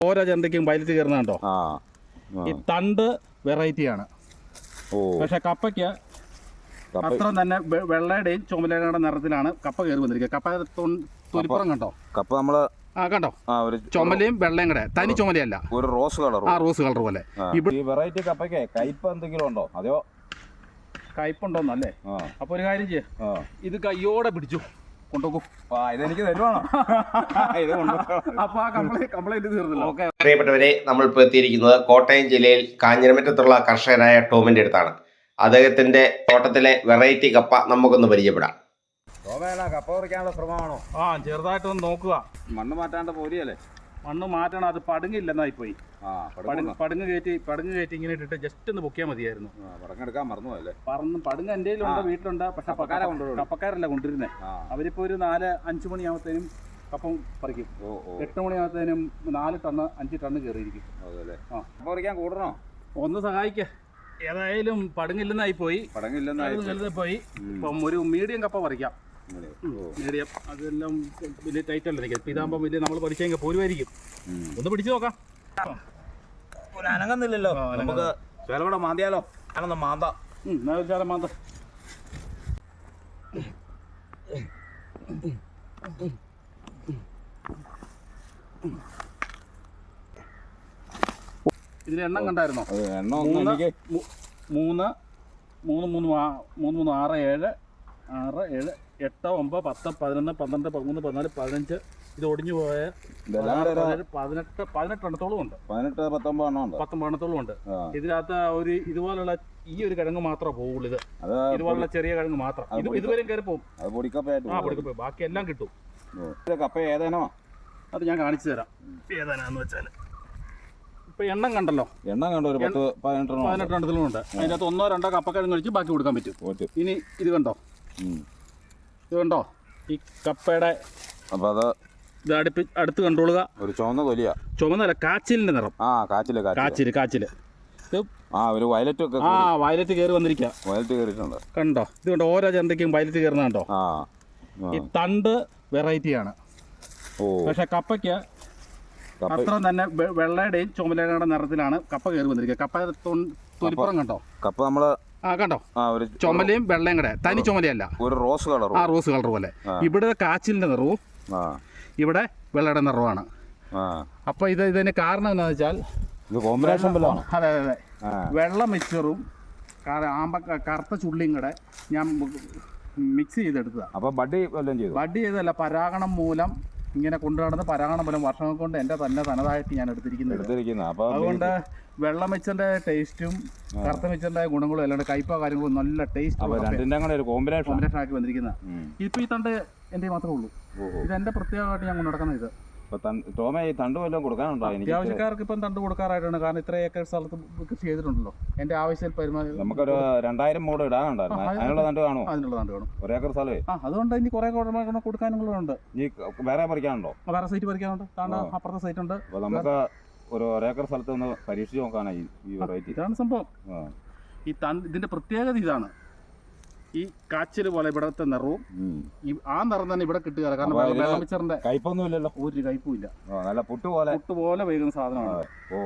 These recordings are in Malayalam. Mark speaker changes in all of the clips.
Speaker 1: ഓരോ ചെണ്ടയ്ക്കും പൈലറ്റ് കയറുന്നുണ്ടോ? ഈ തണ്ട് വെറൈറ്റിയാണ്. പക്ഷെ കപ്പയ്ക്ക് അത്ര തന്നെ വെള്ളയുടെയും ചുമലയുടെ നിറത്തിലാണ് കപ്പ കയറി വന്നിരിക്കുക. കപ്പ തൊലിപ്പുറം കണ്ടോ?
Speaker 2: കപ്പ നമ്മള്
Speaker 1: കണ്ടോ? ചുമലയും വെള്ളയും കൂടെ, തനി ചുമലയല്ല,
Speaker 2: ഒരു റോസ് കളർ.
Speaker 1: റോസ് കളർ പോലെ.
Speaker 2: ഈ വെറൈറ്റി കപ്പയ്ക്ക് കയ്പ് എന്തെങ്കിലും ഉണ്ടോ? അതെയോ
Speaker 1: കയ്പുണ്ടോന്നല്ലേ? അപ്പൊ ഒരു കാര്യം ചെയ്യ, ഇത് കയ്യോടെ പിടിച്ചു കൊണ്ടുപോകും.
Speaker 2: ഇതെനിക്ക് തരുവാണോ?
Speaker 1: അപ്പൊ ആ കംപ്ലൈന്റ് തീർന്നല്ലോ.
Speaker 3: പ്രിയപ്പെട്ടവരെ, നമ്മൾ ഇപ്പോൾ എത്തിയിരിക്കുന്നത് കോട്ടയം ജില്ലയിൽ കാഞ്ഞിരമറ്റത്തുള്ള കർഷകനായ ടോമിന്റെ അടുത്താണ്. അദ്ദേഹത്തിന്റെ തോട്ടത്തിലെ വെറൈറ്റി കപ്പ നമുക്കൊന്ന് പരിചയപ്പെടാം.
Speaker 2: കപ്പ പറിക്കാനുള്ള ശ്രമമാണോ?
Speaker 1: ചെറുതായിട്ടൊന്ന് നോക്കുക.
Speaker 2: മണ്ണ് മാറ്റാണ്ട് പോരിയല്ലേ?
Speaker 1: മണ്ണ് മാറ്റണം, അത് പടുങ്ങില്ലെന്നായി പോയി. പടുങ്ങ് കയറ്റി ഇങ്ങനെ ഇട്ടിട്ട് ജസ്റ്റ് ഒന്ന് പൊക്കിയാൽ മതിയായിരുന്നു.
Speaker 2: പടങ്ങെടുക്കാൻ മറന്നുപോയല്ലേ?
Speaker 1: പടുങ്ങ് എൻ്റെ കയ്യിലുണ്ട്, വീട്ടിലുണ്ട്. പക്ഷെ കപ്പക്കാരല്ല കൊണ്ടുവരുന്നേ. അവരിപ്പോ ഒരു 4-5 മണിയാകുമ്പത്തേനും കപ്പം പറിക്കും. 8 മണിയാകുമ്പത്തേനും 4 ടണ്ണ് 5 ടണ്ണ് കയറിയിരിക്കും.
Speaker 2: കപ്പ പറിക്കാൻ കൂടണോ?
Speaker 1: ഒന്ന് സഹായിക്ക. ഏതായാലും പടുങ്ങില്ലെന്നായി പോയി. പോയി. ഇപ്പം ഒരു മീഡിയം കപ്പ പറിക്കാം. മീഡിയം അതെല്ലാം വലിയ ടൈറ്റ് അല്ല നിൽക്കുക. ഇതാകുമ്പോൾ വലിയ നമ്മൾ പറിച്ചെങ്കിൽ പോരുമായിരിക്കും. ഒന്ന് പിടിച്ചു നോക്കാം.
Speaker 2: അനങ്ങുന്നില്ലല്ലോ, നമുക്ക് ചിലവിടെ മാന്തിയാലോ? അനൊന്ന് മാന്ത.
Speaker 1: മാന്ത. ഇതിന് എണ്ണം കണ്ടായിരുന്നോ? 3 3 3 6 7 8 9 10 11 12 13 14 15. ഇത് ഒടിഞ്ഞു പോയ 18 എണ്ണത്തോളം ഉണ്ട്. 19 എണ്ണത്തോളം ഉണ്ട്. ഇതിനകത്ത് ഒരു ഇതുപോലുള്ള ഈ ഒരു കിഴങ്ങ് മാത്രമേ പോവുള്ളൂ. ഇതുപോലുള്ള ചെറിയ കിഴങ്ങ് മാത്രം. ഇതുവരെയും കയറി പോകും. പൊടിക്കപ്പ ബാക്കി എല്ലാം കിട്ടും.
Speaker 2: കപ്പ ഏതാനോ
Speaker 1: അത് ഞാൻ കാണിച്ചു തരാം. ഏതാനാന്ന് വെച്ചാൽ ഇപ്പൊ എണ്ണം കണ്ടല്ലോ,
Speaker 2: എണ്ണം കണ്ടോ?
Speaker 1: 18 എണ്ണത്തിലും ഉണ്ട്. അതിനകത്ത് 1-2 കപ്പക്കിഴങ്ങ് കഴിച്ച് ബാക്കി കൊടുക്കാൻ പറ്റും. ഇനി ഇത് കണ്ടോ? ഇത് കണ്ടോ? ഈ കപ്പയുടെ
Speaker 2: അപ്പൊ അത്
Speaker 1: ഇത് അടുത്ത് കണ്ടോളുക.
Speaker 2: ഒരു ചുവന്ന തൊലിയാ.
Speaker 1: ചുവന്നല്ല, കാച്ചിലിന്റെ നിറം. കാച്ചില്
Speaker 2: ഒരു വയലറ്റ് ഒക്കെ.
Speaker 1: വയലറ്റ് കയറി വന്നിരിക്കുക.
Speaker 2: വയലറ്റ് കയറിയിട്ടുണ്ട്. കണ്ടോ?
Speaker 1: ഇത് കണ്ടോ? ഓരോ ചെണ്ടയ്ക്കും വയലറ്റ് കയറുന്നുണ്ടോ? ഈ തണ്ട് വെറൈറ്റിയാണ്. പക്ഷെ കപ്പയ്ക്ക് അത്ര തന്നെ വെള്ളയുടെയും ചുമലയുടെ നിറത്തിലാണ് കപ്പ കയറി വന്നിരിക്കുക. കപ്പ തൊലിപ്പുറം കണ്ടോ?
Speaker 2: കപ്പ നമ്മള്
Speaker 1: കണ്ടോ? ചുമലയും വെള്ളയും കൂടെ, തനി ചുമലയല്ല,
Speaker 2: ഒരു റോസ് കളർ.
Speaker 1: റോസ് കളർ പോലെ. ഇവിടെ കാച്ചിലിന്റെ നിറവും ഇവിടെ വെള്ളയുടെ നിറവാണ്. അപ്പൊ ഇതിന് കാരണം എന്താണെന്ന് വെച്ചാൽ അതെ, വെള്ള മിക്സറും കറുത്ത ചുള്ളിയും കൂടെ ഞാൻ മിക്സ് ചെയ്തെടുത്തതാണ്.
Speaker 2: അപ്പൊ ബഡ്ഡി
Speaker 1: ചെയ്തല്ല, പരാഗണം മൂലം ഇങ്ങനെ കൊണ്ടുനടന്ന് പരാഗണം മൂലം വർഷങ്ങൾ കൊണ്ട് എൻ്റെ തനതായിട്ട് ഞാൻ എടുത്തിരിക്കുന്നത്. അതുകൊണ്ട് വെള്ള മിച്ചറിന്റെ ടേസ്റ്റും കറുത്ത മിച്ചറിന്റെ ഗുണങ്ങളും അല്ലാണ്ട് കയ്പ കാര്യങ്ങളും നല്ല ടേസ്റ്റ് കോമ്പിനേഷൻ ആക്കി വന്നിരിക്കുന്ന. ഇപ്പൊ ഈ തണ്ട് എൻ്റെ മാത്രമേ ഉള്ളൂ. ഇത് എന്റെ പ്രത്യേകമായിട്ട് ഞാൻ കൊണ്ടുനടക്കുന്നത്. ഇത് അത്യാവശ്യക്കാർക്ക് ഇപ്പം തണ്ട് കൊടുക്കാറായിട്ടാണ്. കാരണം ഇത്ര ഏക്കർ സ്ഥലത്ത് കൃഷി ചെയ്തിട്ടുണ്ടല്ലോ. എന്റെ ആവശ്യം
Speaker 2: നമുക്കൊരു 2000 മൂട് ഇടാനുണ്ടായിരുന്നു. അതിനുള്ള തണ്ട് കാണും. ഒരു ഏക്കർ സ്ഥലമേ.
Speaker 1: അതുകൊണ്ട് ഇനി കുറെ കൊടുക്കാനുള്ളതുണ്ട്.
Speaker 2: വേറെ പറിക്കാനുണ്ടോ?
Speaker 1: വേറെ സൈറ്റ് പറിക്കാനുണ്ട്. അപ്പുറത്തെ സൈറ്റ് ഉണ്ട്.
Speaker 2: നമുക്ക് ഒരു ഏക്കർ സ്ഥലത്ത് ഒന്ന് പരീക്ഷിച്ച് നോക്കാനായി ഈ വെറൈറ്റി.
Speaker 1: ഇതാണ് സംഭവം. ഈ ഇതിന്റെ പ്രത്യേകത ഇതാണ്. ഈ കാച്ചില് പോലെ ഇവിടത്തെ നിറവും ആ നിറം തന്നെ ഇവിടെ കിട്ടുക. കാരണം വെള്ളമിച്ചറിന്റെ
Speaker 2: കയ്പൊന്നും ഇല്ലല്ലോ,
Speaker 1: ഒരു കയ്പും ഇല്ല.
Speaker 2: നല്ല പുട്ടുപോലെ
Speaker 1: വൈകുന്ന സാധനമാണ്.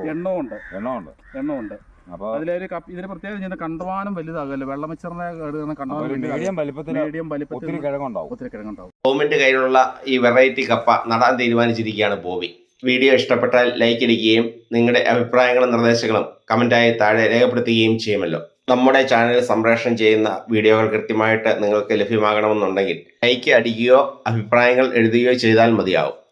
Speaker 1: എണ്ണമുണ്ട്. അപ്പൊ അതിലൊരു ഇതിന്റെ പ്രത്യേകത ചെയ്യുന്ന കണ്ടവാനം വലുതാകല്ലോ. വെള്ളമിച്ചറിന്റെ
Speaker 2: മീഡിയം വലിപ്പത്തിൽ ഒത്തിരി കിഴങ്ങുണ്ടാവും.
Speaker 3: ടോമിന്റെ കയ്യിലുള്ള ഈ വെറൈറ്റി കപ്പ നടാൻ തീരുമാനിച്ചിരിക്കുകയാണ് ബോബി. വീഡിയോ ഇഷ്ടപ്പെട്ടാൽ ലൈക്ക് അടിക്കുകയും നിങ്ങളുടെ അഭിപ്രായങ്ങളും നിർദ്ദേശങ്ങളും കമന്റായി താഴെ രേഖപ്പെടുത്തുകയും ചെയ്യുമല്ലോ. നമ്മുടെ ചാനൽ സംപ്രേഷണം ചെയ്യുന്ന വീഡിയോകൾ കൃത്യമായിട്ട് നിങ്ങൾക്ക് ലഭ്യമാകണമെന്നുണ്ടെങ്കിൽ ലൈക്ക് അടിക്കുകയോ അഭിപ്രായങ്ങൾ എഴുതുകയോ ചെയ്താൽ മതിയാവും.